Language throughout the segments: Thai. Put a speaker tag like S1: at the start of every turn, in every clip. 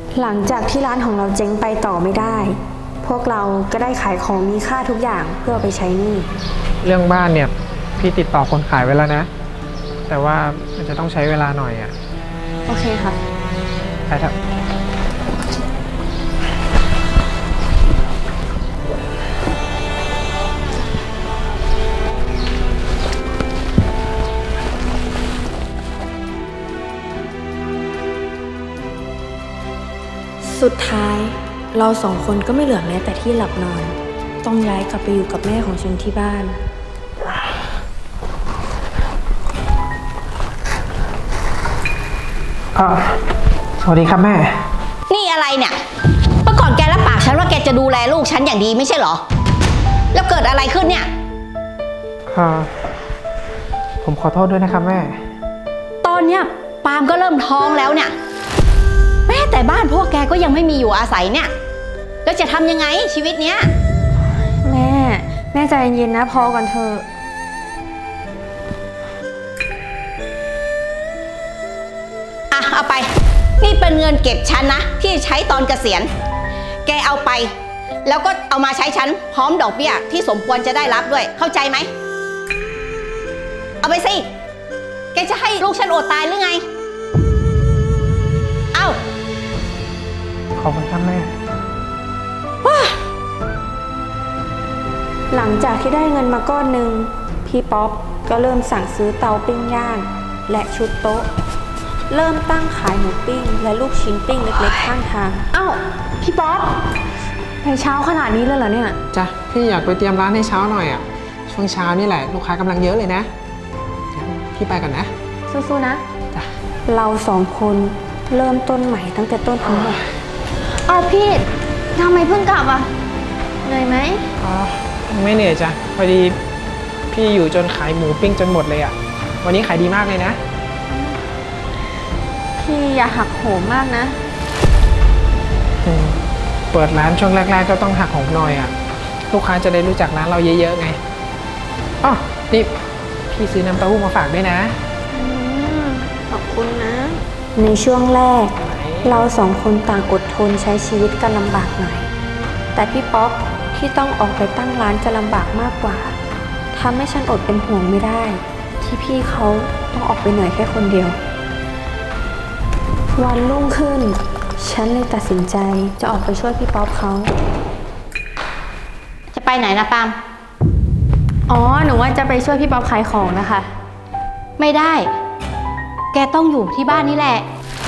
S1: หลังจากที่ร้านของเราเจ๊งไปต่อไม่ได้พวกเราก็ได้ขายของมีค่าทุกอย่างเพื่อไปใช้หนี้
S2: เรื่องบ้านเนี่ยพี่ติดต่อคนขายไว้แล้วนะแต่ว่ามันจะต้องใช้เวลาหน่อยอ่ะ
S1: โอเคค่ะ
S2: ไปเถอะ
S1: สุดท้ายเราสองคนก็ไม่เหลือแม้แต่ที่หลับนอนต้องย้ายกลับไปอยู่กับแม่ของฉันที่บ้าน
S2: สวัสดีครับแม่
S3: นี่อะไรเนี่ยเมื่อก่อนแกรับปากฉันว่าแกจะดูแลลูกฉันอย่างดีไม่ใช่เหรอแล้วเกิดอะไรขึ้นเนี่ย
S2: ผมขอโทษด้วยนะครับแม่
S3: ตอนเนี้ยปาล์มก็เริ่มท้องแล้วเนี่ยแม้แต่บ้านพวกแกก็ยังไม่มีอยู่อาศัยเนี่ยแล้วจะทำยังไงชีวิตเนี้ย
S1: แม่ใจเย็นๆนะพอก่อนเถอะ
S3: เอาไปนี่เป็นเงินเก็บฉันนะที่ใช้ตอนเกษียณแกเอาไปแล้วก็เอามาใช้ฉันพร้อมดอกเบี้ยที่สมควรจะได้รับด้วยเข้าใจไหมเอาไปสิแกจะให้ลูกฉันอดตายหรือไงเอา
S2: ขอบคุณครับแม่
S1: หลังจากที่ได้เงินมาก้อนหนึ่งพี่ป๊อปก็เริ่มสั่งซื้อเตาปิ้งย่างและชุดโต๊ะเริ่มตั้งขายหมูปิ้งและลูกชิ้นปิ้งเล็กๆข้างทางอ้าวพี่ป๊อปไปเช้าขนาดนี้เลยเหรอเนี่ย
S2: จ้ะพี่อยากไปเตรียมร้านให้เช้าหน่อยอ่ะช่วงเช้านี่แหละลูกค้ากำลังเยอะเลยนะพี่ไปก่อนนะ
S1: สู้ๆนะจ้ะเราสองคนเริ่มต้นใหม่ตั้งแต่ต้นทั้งหมดเอาพี่ทำไมเพิ่งกลับอ่ะเหนื่อยไหม
S2: ไม่เหนื่อยจ้ะพอดีพี่อยู่จนขายหมูปิ้งจนหมดเลยอ่ะวันนี้ขายดีมากเลยนะ
S1: พี่อย่าหักโหมมากนะ
S2: เปิดร้านช่วงแรกๆก็ต้องหักโหมหน่อยอ่ะลูกค้าจะได้รู้จักร้านเราเยอะๆไงอ๋อนี่พี่ซื้อน้ำเต้าหู้มาฝากด้วยนะ
S1: ขอบคุณนะในช่วงแรกเราสองคนต่างอดทนใช้ชีวิตกันลำบากหน่อยแต่พี่ป๊อปที่ต้องออกไปตั้งร้านจะลำบากมากกว่าทำให้ฉันอดเป็นห่วงไม่ได้ที่พี่เขาต้องออกไปเหนื่อยแค่คนเดียววันรุ่งขึ้นฉันเลยตัดสินใจจะออกไปช่วยพี่ป๊อปเขา
S3: จะไปไหนนะปาล์ม
S1: อ๋อหนูว่าจะไปช่วยพี่ป๊อปขายของนะคะ
S3: ไม่ได้แกต้องอยู่ที่บ้านนี่แหละ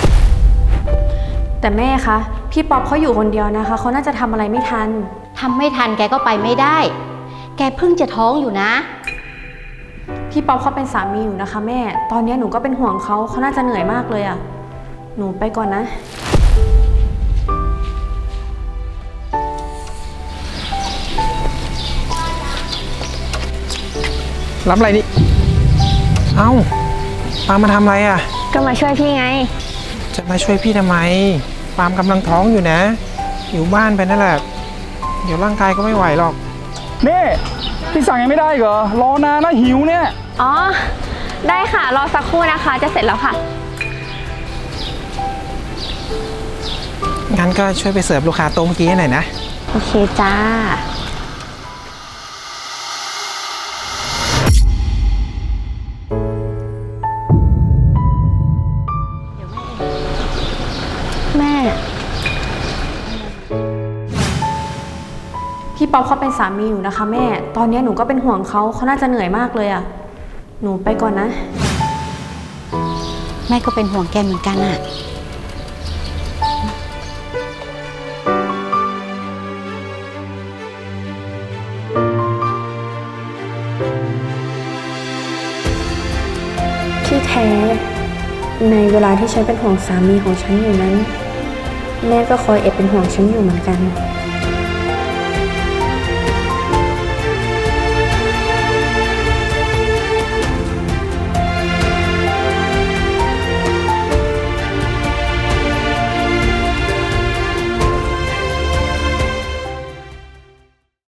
S1: แต่แม่คะพี่ป๊อปเขาอยู่คนเดียวนะคะเขาน่าจะทำอะไรไม่ทัน
S3: ทำไม่ทันแกก็ไปไม่ได้แกเพิ่งจะท้องอยู่นะ
S1: พี่ป๊อปเขาเป็นสามีอยู่นะคะแม่ตอนนี้หนูก็เป็นห่วงเขาน่าจะเหนื่อยมากเลยอะหนูไปก่อนนะ
S2: รับอะไรนี่เอ้าปาล์มมาทำอะไรอ่ะ
S1: ก็มาช่วยพี่ไง
S2: จะมาช่วยพี่ทำไมปาล์มกำลังท้องอยู่นะอยู่บ้านไปนั่นแหละเดี๋ยวร่างกายก็ไม่ไหวหรอก
S4: นี่พี่สั่งยังไม่ได้เหรอรอนานนะหิวเนี่ย
S1: อ๋อได้ค่ะรอสักครู่นะคะจะเสร็จแล้วค่ะ
S2: งั้นก็ช่วยไปเสิร์ฟลูกค้าโต๊ะเมื่อกี้ให้หน่อยนะ
S1: โอเคจ้าแม่พี่ป๊อปเขาเป็นสามีอยู่นะคะแม่ตอนนี้หนูก็เป็นห่วงเขาน่าจะเหนื่อยมากเลยอะหนูไปก่อนนะ
S3: แม่ก็เป็นห่วงแกเหมือนกันอะ
S1: ที่แท้ในเวลาที่ฉันเป็นห่วงสามีของฉันอยู่นั้นแม่ก็คอยเป็นห่วงฉันอยู่เหมือนกัน